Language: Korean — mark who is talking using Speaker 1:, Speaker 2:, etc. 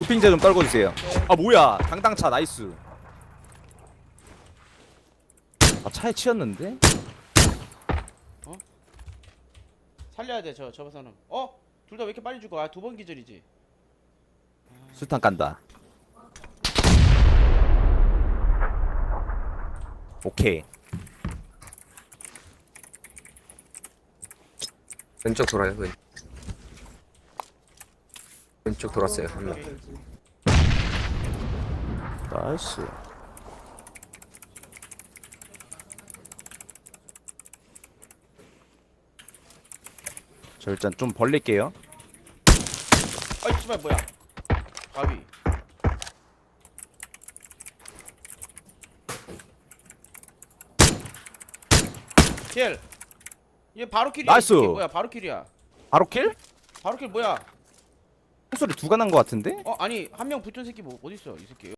Speaker 1: 도핑제 좀 떨궈주세요. 아 뭐야 당당차 나이스. 아 차에 치였는데?
Speaker 2: 살려야 돼 저 사람. 둘 다 왜 이렇게 빨리 죽어? 아, 두 번 기절이지.
Speaker 1: 수탄 깐다. 오케이.
Speaker 3: 왼쪽 돌아요. 왼쪽 돌았어요. 한 명.
Speaker 1: 나이스. 저 일단 좀 벌릴게요.
Speaker 2: 아이 씨발 뭐야? 가위. 킬. 얘 바로 킬이야.
Speaker 1: 나이스.
Speaker 2: 이게 뭐야? 바로 킬이야.
Speaker 1: 바로 킬?
Speaker 2: 바로 킬 뭐야?
Speaker 1: 총소리 두가 난 거 같은데?
Speaker 2: 아니 한 명 붙은 새끼 뭐 어디 있어 이 새끼?